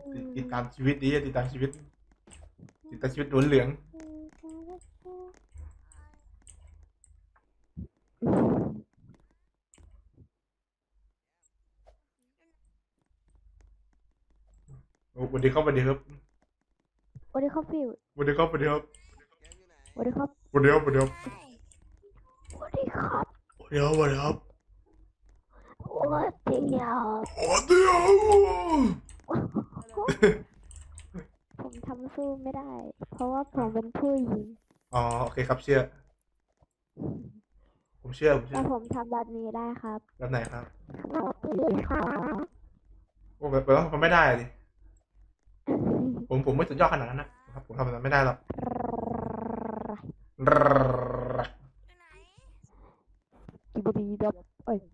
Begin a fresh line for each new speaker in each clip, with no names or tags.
ติดตามชีวิตดีติดตามชีวิตหนุนเหลืองโอ้สวัสดีครับสวัสดีครับ
สวัสดีครับพี่
สวัสดีครับสวัสดีครับ
สวัสดีครับ
สวัสดีครับสวัสดีครับ
สวัสดีครับ
สวัสดีครับสวัสดีครับ
สวัสดีครับ
สวัสดีครับ
ผมทำสู้ไม่ได้ เพราะว่าผมเป็นผู้หญิง
อ๋อโอเคครับเชื่อผมเชื่อ
แต่ผมทำแบบนี้ได้ครับ
แบบไหนครับ
สวัสดีครับ
โอ้แบบว่ามันไม่ได้ดิผมไม่สุดยอดขนาดนั้นนะครับผมทำแบบนั้นไม่ได้หรอก
กิบดีดับเอ้ย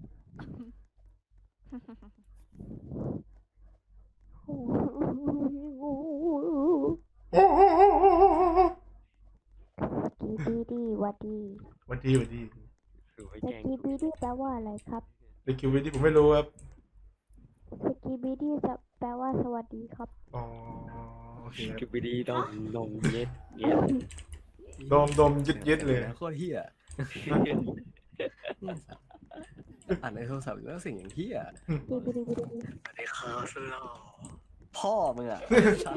กีบีดีวัดดี
สวัสดีสวัสดี
สกีบีดีแปลว่าอะไรครับ
ในคิววิที่ผมไม่รู้ครับ
สกีบีดีจะแปลว่าสวัสดีครับ
อ๋อโอเคครับ
คือไปดีต้องนมเย็ดเย็ด
ดมยึดเลย
โคตรเฮียอ่านในโทรศัพท์แล้วสิ่งอย่างเฮีย
กีบีดีบีดี
สวัสดีครับสุดหล่อ
พ่อมึงอ่ะ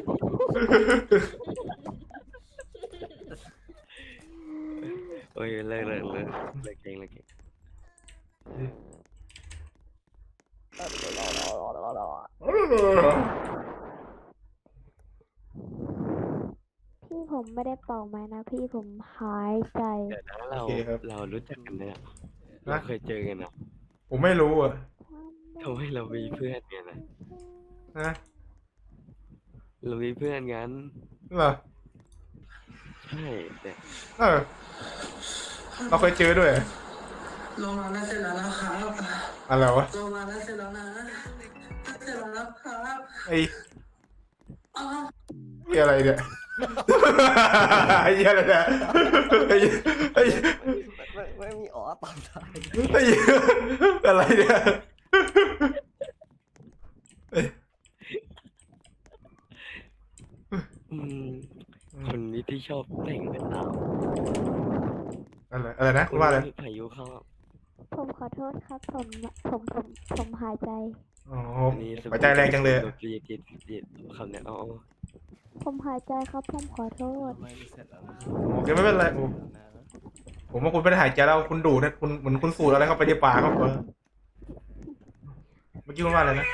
โอ้ยเลิกเก่ง
พี่ผมไม่ได้เป่าไม้นะพี่ผมหายใจ
เดี๋ยวนะเรารู้จักกันเนี่ยเราเคยเจอกันนะ
ผมไม่รู้อ่ะ
ทำไมเรามีเพื่อนกันนะ
นะ
เรามีเพื่อนกัน
เหรอ
ใช่แต่
เราเคยเจอด้วย
ลงมาแล้วเสร็จแล้วนะครับ
อะไรวะ
ลงมาแล้วเสร็จแล้วนะเสร็จแล้วนะครับ
ไอ้
อ้าว
เหี้ยอะไรเนี่ยไอ้เหี้ยอะไรเนี่ยไอ้
ไม่มีอ๋อตามท้าย
ไอ้อะไรเนี่ย
อืมคนนี้ที่ชอบแต่งเป็นเรา
อะไรนะคุณว่าอะไร
พายุเข้า
ผมขอโทษครับผมหายใจ
อ๋อ
อันนี้
หัวใจแรงจังเลย
เรียดคำเนี้ยอ๋อ
ผมหายใจครับผมขอโทษ
ไม่เสร็จแล้วนะ
โอเคไม่เป็นไรโอ้ผมว่าคุณไม่ได้หายใจแล้วคุณดูดนะคุณเหมือนคุณสูดอะไรเข้าไปในปากครับเมื่อกี้คุณว่าอะไรนะ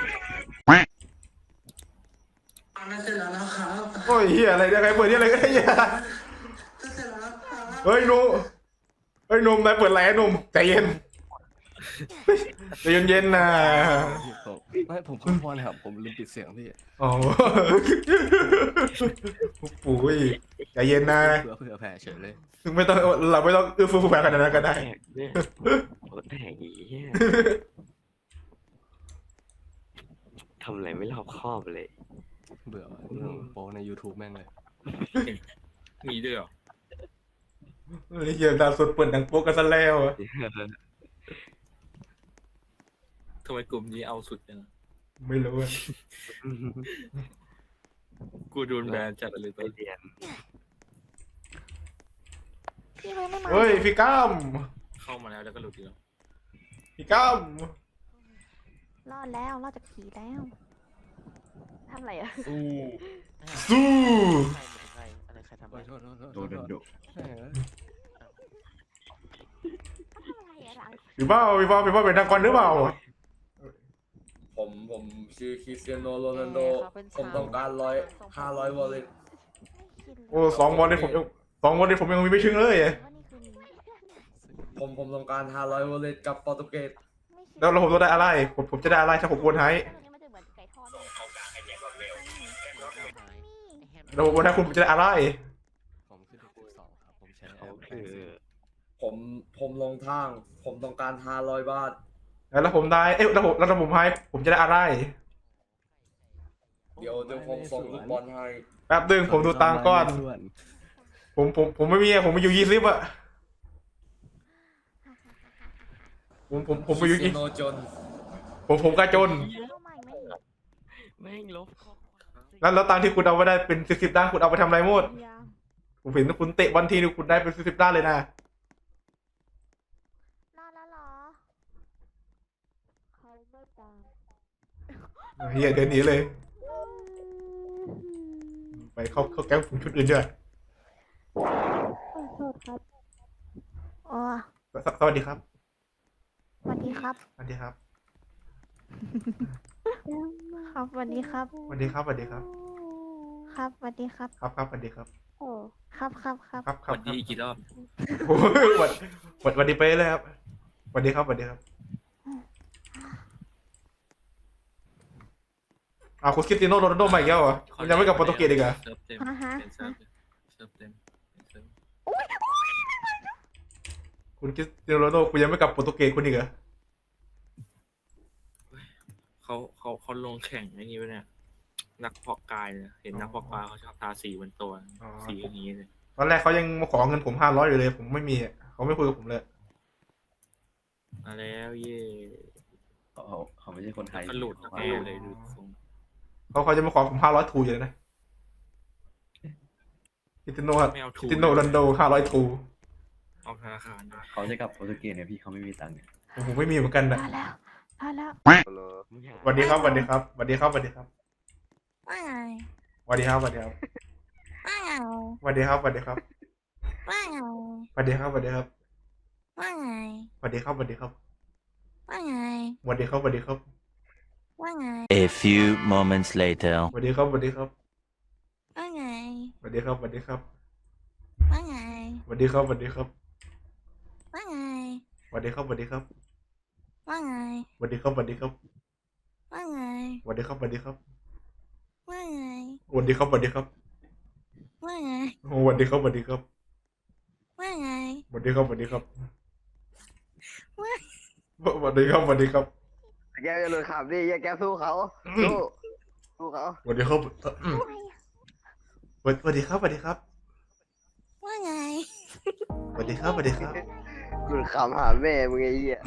แล้วเสร็จแล้วนะครับ
โอ้ยเหี้ยอะไรเนี่ยใครเปิดที่อะไรก็ได้เหี้ย
เสร็จแล้วนะครับ
เฮ้ยหนุ่มนายเปิดแหล่หนุ่มใจเย็นใจเย็นๆนะ
ผมขอโทษนะครับผมลืมปิดเสียงพี่
อ๋อปู่ยใจเย็นนะ
เผื่อแผ่เฉยเลย
ไม่ต้องเราไม่ต้องอื้อฟื้อแฝงขนาดนั้นก็ได้
แตกเนี่ยโอ้แตกอีเหี้ยทำอะไรไม่รอบคอบเลย
เบื่อว่ะเรื่องโปใน YouTube แม่งเลย
มีด้วยเหรอ
เหี้ยดาวสุดเปิดดังโป๊กกันซะแล้วอะ
ทำไมกลุ่มนี้เอาสุดจัง
ไม่รู้อะ
กูโดนแบนจัดเลย
ไป
ตัว
เรียน
พี่ไม่มา
เฮ้ยพี่ก้าม
เข้ามาแล้วก็หลุดอีกแล้ว
พี่ก้าม
รอดแล้วรอดจากผีแล้วทำอะไรอะ
สู้
โอ้ยโทษ
โดนดุ
แม่งเอ้ย
พี่เป้าเป็นนักกอนหรือเปล่า
ผมชื่อคริสเตียโนโรนัลโด ผมต้องการ500 วอลเล็ต
โอ้2 บอลนี่ผมยังมีไม่ถึงเลย
ผมต้องการ500 วอลเล็ตกับโปรตุเกส
แล้วผมจะได้อะไรผมจะได้อะไรถ้าผมโอนให้แล้วผมโอนให้คุณผมจะได้อะไร
ผมคือเด็ก12ครับผมใช้แอ
เขา
ปแปล
คื
ง
อ
เสียง
ผมลงทาง ผมต้องการ500 บาท
แล้วผมได้แล้วผมให้ผมจะได้อะไร
เดี๋ยวผมส่งลูกบอลให้
แป๊บนึงผมดูตังค์ก่อนผมไม่มีผมมีอยู่20อะผมมีอยู่
คริสเตียโนจน
ผมกระจน
แม่งลบข้อ
แล้วตังค์ที่คุณเอาไปได้เป็น10 ล้านคุณเอาไปทำอะไรหมด ผมเห็นคุณเตะบอลทีนึงคุณได้เป็น10 ล้านเลยนะ
รอดแล้วเหรอเขาไม่ตาม
เฮียเดินหนีเลย ไปเข้าแก๊งฝูงชุดอื่นด้วย
ขอโทษครับโอ้
สวัสดีครับ
สวัสดีครับ
สวัสดีครับ
ครับสวัสดีครับ
สวัสดีครับสวัสดีครับ
ครับสวัสดีครับ
ครับครับสวัสดีครับ
โอ้ครับครับครับ
ครับค
ส
รับ
วัสดีอีกกี่รอบ
โอ้ยสวัสดีไปเลยครับสวัสดีครับสวัสดีครับคุณคริสเตียโนโรนัลโดมาอีกแล้วเหรอคุณยังไม่กลับโปรตุเกสอีกเหรอ
เซิร์ฟเต็ม
ฮะฮะ
เป็นเซิร์ฟเซิร์ฟเต็มเป็นเซิร์ฟ
คุณคริสเตียโนโรนัลโดคุณยังไม่กลับโปรตุเกสคุณอีกเหรอ
เขาลงแข่งไอ้นี่วะเนี่ย นักเพาะกายเนี่ยเห็นนักเพาะกายเขาชอบทาสีบนตัวสีอย่างนี้เลย
ตอนแรกเขายังมาขอเงินผม500อยู่เลย ผมไม่มีอะเขาไม่คุยกับผมเลย
มาแล้วเย่
เขาไม่ใช่คนไทย
ก็หลุดแน่เลยดูทรง
เขาจะมาขอผม500ทูอยู่เลยนะคริสเตียโน
ไม่เอา
ค
ทู
ริสเตียโนโรนัลโด500ทู
เอาธนาคารด้วย
เขาจะกลับโปรตุเกสเนี่ยพี่เขาไม่มีตังค์เนี่ย
ผมไม่มีเหมือนกันนะ
มาแล้วมาแล้ว
สวัสดีครับสวัสดีครับสวัสดีครับสวัสดีครับ
ว่าไง
สวัสดีครับสวัสดีครับ
ว่าไง
สวัสดีครับสวัสดีครับ
ว่าไง
สวัสดีครับสวัสดีครับ
ว่าไง
สวัสดีครับสวัสดีครับ
ว่าไง
สวัสดีครับสวัสดีครับ
ว่าไง
A few moments later.
สวัสดีครับสวัสดีครับ
ว่าไง
สวัสดีครับสวัสดีครับ
ว่าไง
สวัสดีครับสวัสดีครับ
ว่าไง
สวัสดีครับสวัสดีครับ
ว่าไง
สวัสดีครับสวัสดีครับ
ว่าไง
สวัสดีครับสวัสดีครับ
ว่าไง
สวัสดีครับสวัสดีครับ
ว่าไง
โอ้สวัสดีครับสวัสดีครับ
ว่าไง
สวัสดีครับสวัสดีครับสวัสดีครับสวัสดีครับ
แกจะหลุดขับดิอย่าแกสู้เขาสู้เขา
สวัสดีครับสวัสดีครับสวัสดีครับ
ว่าไง
สวัสดีครับสวัสดีครับ
หลุดขับหาแม่มึงไอ้เหี้ย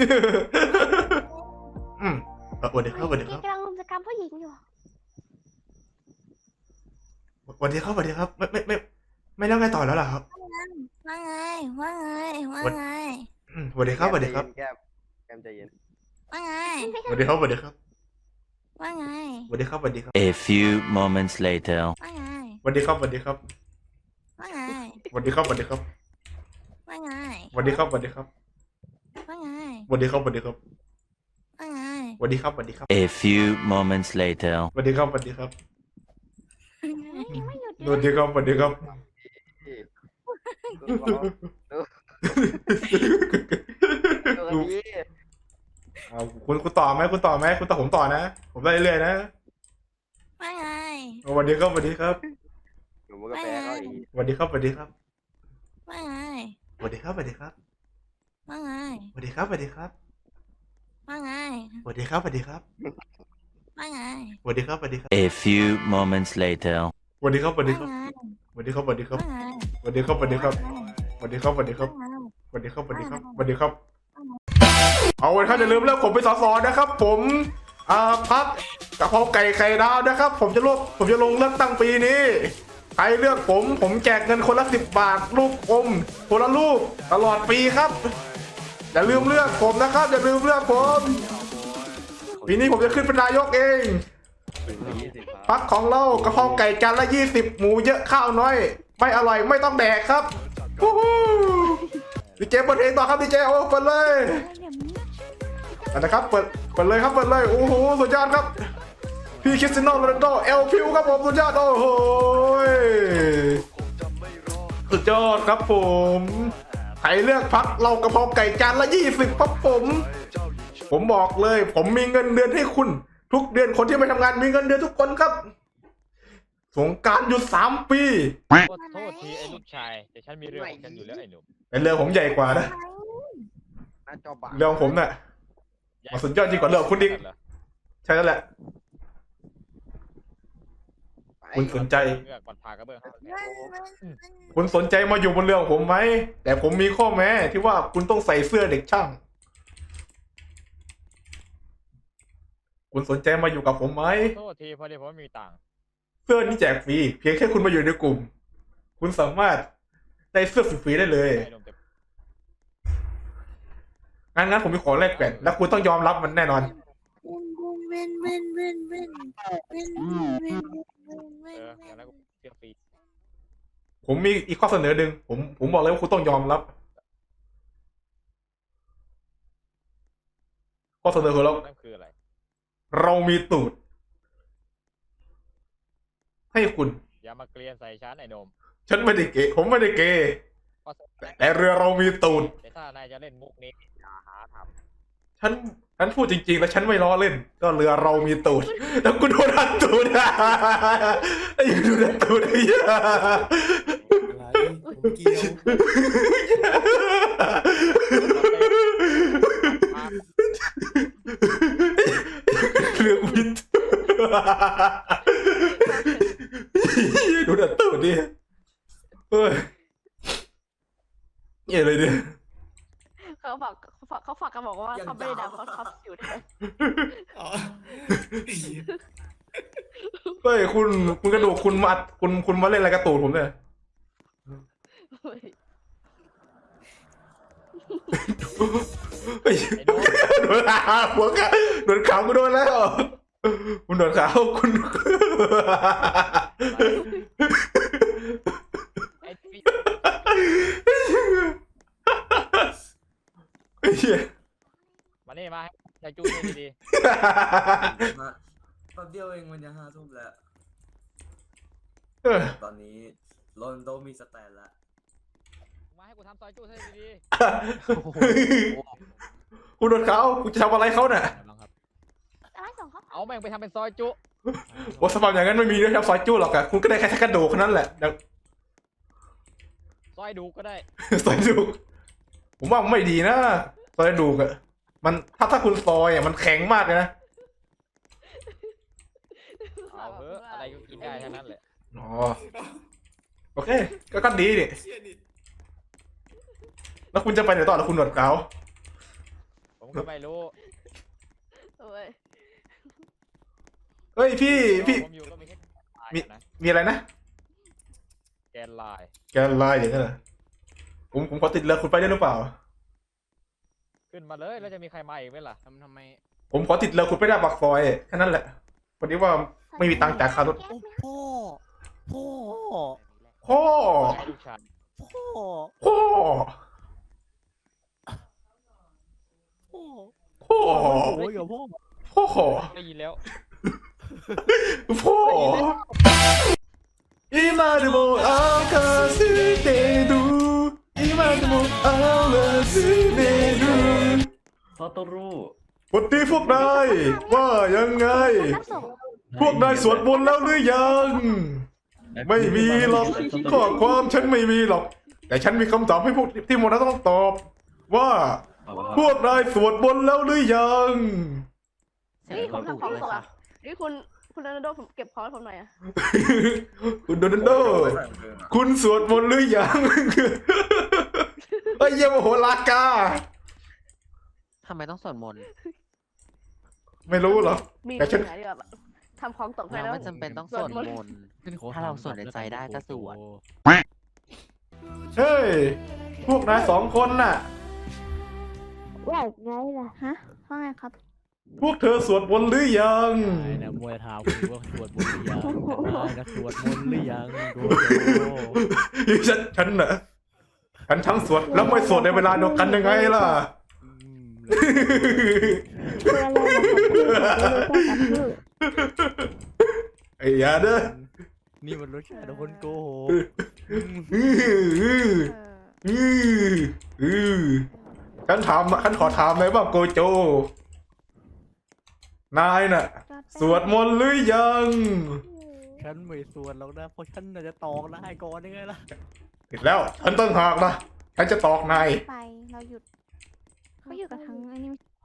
สวัสดีครับสวัสดีครับ
กำลังรุมกรรมผู้หญิงอยู่
สวัสดีครับสวัสดีครับไม่แล้วไงต่อแล้วล่ะครับ
ว่าไง ว่าไง ว่าไง
สวัสดีครับสวัสดีครับ
แกมใจเย็น
ว่าไง
สวัสดีครับสวัสดีครับ
ว่าไง
สวัสดีครับสวัสดีครับ
A few moments later.
ว่าไง
สวัสดีครับสวัสดีครับ
ว่าไง
สวัสดีครับสวัสดีครับ
ว่าไง
สวัสดีครับสวัสดีครับ
ว่าไง
สวัสดีครับสวัสดีครับ
ว่าไง
สวัสดีครับสวัสดีครับ
A few moments later.
สวัสดีครับสวัสดีครับ
ไม่หยุด
สวัสดีครับสวัสดีครับ
ดูพี่
คุณต่อไหมคุณต่อไหมคุณต่อผมต่อนะ ผมได้เรื่อยๆนะ
ว่าไง
สวัสดีครับสวัสดีครับ
หนูมันก็แพ้เขาอีก
สวัสดีครับสวัสดีครับ
ว่าไง
สวัสดีครับสวัสดีครับ
ว่าไง
สวัสดีครับสวัสดีครับ
ว่าไง
สวัสดีครับสวัสดีครับ
ว่าไง
สวัสดีครับสวัสดีครับ
A few moments later.
สวัสดีครับสวัสดี
ว่า
ครับ
ไง
สวัสดีครับสวัสดีครับ
ว่าไง
สวัสดีครับสวัสดีครับสวัสดีครับสวัสดีครับ
ว่าไง
สวัสดีครับสวัสดีครับสวัสดีครับ เอาไว้ท่านอย่าลืมเลือกผมเป็นสสนะครับ ผมพักกะเพราไก่ไข่ดาวนะครับ ผมจะลงเลือกตั้งปีนี้ใครเลือกผมแจกเงินคนละ10 บาทลูกอมคนละลูกตลอดปีครับอย่าลืมเลือกผมนะครับอย่าลืมเลือกผมปีนี้ผมจะขึ้นเป็นนายกเองพักของเรากะเพราไก่จานละ20หมูเยอะข้าวน้อยไม่อร่อยไม่ต้องแดกครับฮู้ฮู้ดีเจเปิดเพลงต่อครับดีเจโอ้เปิดเลยนะครับเปิดเลยครับเปิดเลยโอ้โหสุดยอดครับพี่คริสเตียโนโรนัลโดเอลพิวครับผมสุดยอดโอ้โหสุดยอดครับผมใครเลือกพักเรากระเพราไก่จานละ20ครับผมบอกเลยผมมีเงินเดือนให้คุณทุกเดือนคนที่ไม่ทำงานมีเงินเดือนทุกคนครับสงกรานต์หยุด3 ปี
ขอโทษทีไอ้ลูกชาย แต่ฉันมีเรื่องของฉันอยู่แล้วไอ้หนุ่ม
แต่เรือผมใหญ่กว่านะ
หน้าจอบัง
เรือของผมน่ะ มันสุดยอดจริงกว่าเรือของคุณอีก ใช่แล้วแหละ คุณสนใจ
เมื่อก่อนพากระเบื้อง
คุณสนใจมาอยู่บนเรือของผมไหมแต่ผมมีข้อแม้ที่ว่าคุณต้องใส่เสื้อเด็กช่าง คุณสนใจมาอยู่กับผมไหม
โทษทีพอดีผมไม่มีตังค์
เสื้อนี้แจกฟรีเพียงแค่คุณมาอยู่ในกลุ่ม คุณสามารถได้เสื้อฟรีๆได้เลย
ไอ้นมเต็ม
งั้นผมมีขอแลกแก่นแล้วคุณต้องยอมรับมันแน่นอน
อย่างนั้นกูเชื่อฟรี
ผมมีอีกข้อเสนอหนึ่งผมบอกเลยว่าคุณต้องยอมรับ ข้อเสนอของเรา
นั่นคืออะไร
เรามีตูด ให้คุณ
อย่ามาเกลียนใส่ฉันไอ้นม
ฉันไม่ได้เกย์ผมไม่ได้เกย์
เพราะ
แต่เรือเรามีตูด
แต่ถ้านายจะเล่นมุกนี้อย่าหาท
ฉันพูดจริงๆแล้วฉันไม่ล้อเล่น ก็เรือเรามีตูด แล้วกูโดนอัดตูดไอ้ยังโดนอัดตูดไอ้เหี้ย
อะไรผมเกี่ยว
เรือกูมีตูดโดนอัดตูดดิเฮ้ยเหี้ยอะไรเนี่ย
เขาฝากกันบอกว่าเขาไม่ได้ดำเขาทับอยู่ด้วย
อ๋อ
เฮ้ยคุณกระดูกคุณมาอัดคุณมาเล่นอะไรกระตูดผมเนี่ย เฮ้ย
ำไอ้นม
โดนหัวขาโดนขาวกูโดนแล้วคุณโดนขาวคุณ
ไอ้พี่
ไอ้เหี้ย
มานี่มาให้จูนนี่ดี
มาแป๊บเดียวเองมันจะ5 ทุ่มแล้ว
เออ
ตอนนี้โรนลโดมีสแตนแล้ว
ๆมาให้กูทำซอยจูนให้ดี
คุณโดนขาวคุณจะทำอะไรเขาเนี่ย
ๆครับ
อะไรส่งเขา
เอาแม่งไปทำเป็นซอยจุ
บทสภาพอย่างนั้นไม่มีด้วยครับซอยจู้หรอกอะคุณก็ได้แค่กระดูกแค่นั้นแหละเดี๋ยว
ซอยดูก็ได้
ซอยดูกผมว่ามันไม่ดีนะซอยดูกอะมันถ้าคุณซอยอะมันแข็งมากเลยนะ
เอาเถอะอะไรก็กินได้ทั้งนั้นแหละ
อ๋อโอเคก็ดีนี่
เชี่ยนี่
แล้วคุณจะไปไหนต่อแล้วคุณหนวดขาว
ผมก็ไม่รู้
เอ้ย
เฮ้ยพี่
ผมอยู่ก็มีแค่ลาย
มี
นะ
มีอะไรนะ
แกนลาย
แกนไลน์อย่างนั้นเหรอผมขอติดเรือคุณไปได้หรือเปล่า
ขึ้นมาเลยแล้วจะมีใครมาอีกไหมล่ะ
ทำไม
ผมขอติดเรือคุณไปได้ปากซอยแค่นั้นแหละพอดีว่าไม่มีตังค์จ่ายค่ารถ
โอ้พ่อ พ่อ
พ่อ
ให้ลูกชาย
พ่อ
พ่อ
พ่อ
พ่อ
โอ้ยกับพ่อ
พ่อ
ได้ยินแล้ว
พ่อ今でも明かしてる今でも合わせてる
พ่อต้องรู้
วันนี้พวกนายว่ายังไง
รับส่ง
พวกนายสวดมนต์แล้วหรือยัง ไม่มีหรอกข้อความฉันไม่มีหรอก แต่ฉันมีคำตอบให้พวกที่โมนาต้องตอบ ว่าพวกนายสวดมนต์แล้วหรือยัง
นี่ผมทำของส่งอ่ะนี่คุณโรนัลโดผมเก็บของให้ผมหน่อยอ่ะ
คุณโดนัลโด คุณสวดมนต์หรือยัง เฮ้ยเยี่ยมโหรากา
ทำไมต้องสวดมนต์
ไม่รู้เหรอ
มี
แต่ฉัน
ปัญหาดีกว่าทำของตกไป
เรา
แล้ว
ไม่จำเป็นต้องสวดมนต์ ถ้าเราสวดในใจได้ก็สวด
เฮ้ย พวกนาย2 คนน่ะ
ว่าไงล่ะฮะว่าไงครับ
พวกเธอสวดมนต์หรือยัง
นายนะมวยถามคุณว่าสวดมนต์หรือยังนายนะสวดมนต์หรือยังโด
ฉันน่ะ ฉันทั้งสวดแล้วไม่สวดในเวลาเดียวกันยังไงล่ะ ไอ้ยาเด้อ
นี่มันรสชาติของคนโกหก
ฉันขอถามเลยว่าโกโจ นายน่ะ สวดมนต์หรือยัง
ฉันไม่สวดหรอกนะ เพราะฉันน่ะจะตอกนายก่อนยังไงล่ะ
ผิดแล้ว ฉันต้องหากนะฉันจะตอกนาย
ไปเราหยุดเขาอยู่กับทั้งไอ้นี่